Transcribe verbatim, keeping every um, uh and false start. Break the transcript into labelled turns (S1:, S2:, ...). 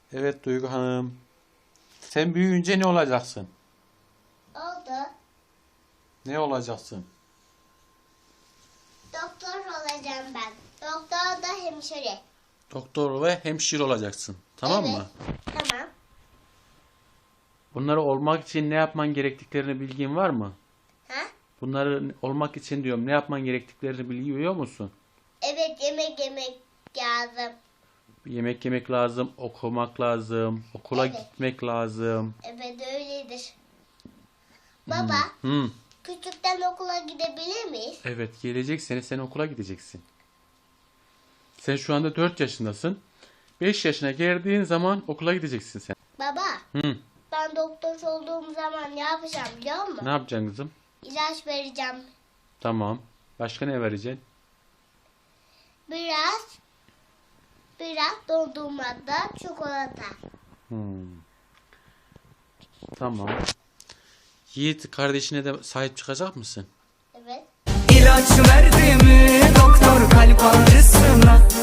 S1: Evet Duygu Hanım. Sen büyüyünce ne olacaksın?
S2: Oldu.
S1: Ne olacaksın?
S2: Doktor olacağım ben. Doktor da hemşire.
S1: Doktor ve hemşire olacaksın. Tamam
S2: Evet.
S1: mı?
S2: Tamam.
S1: Bunları olmak için ne yapman gerektiklerini bilgin var mı?
S2: Ha?
S1: Bunları olmak için diyorum ne yapman gerektiklerini biliyor musun?
S2: Evet, yemek yemek lazım.
S1: Yemek yemek lazım, okumak lazım, okula
S2: Evet.
S1: gitmek lazım.
S2: Evet, öyledir. Baba,
S1: Hı.
S2: küçükten okula gidebilir miyiz?
S1: Evet, gelecek sene sen okula gideceksin. Sen şu anda dört yaşındasın. beş yaşına geldiğin zaman okula gideceksin sen.
S2: Baba,
S1: Hı.
S2: ben doktor olduğum zaman ne yapacağım biliyor musun?
S1: Ne yapacaksın kızım?
S2: İlaç vereceğim.
S1: Tamam. Başka ne vereceksin?
S2: Biraz, biraz dondurmada çikolata.
S1: Hmm. Tamam. Yiğit kardeşine de sahip çıkacak mısın?
S2: Evet.
S3: İlaç verdi mi doktor kalp ağrısına?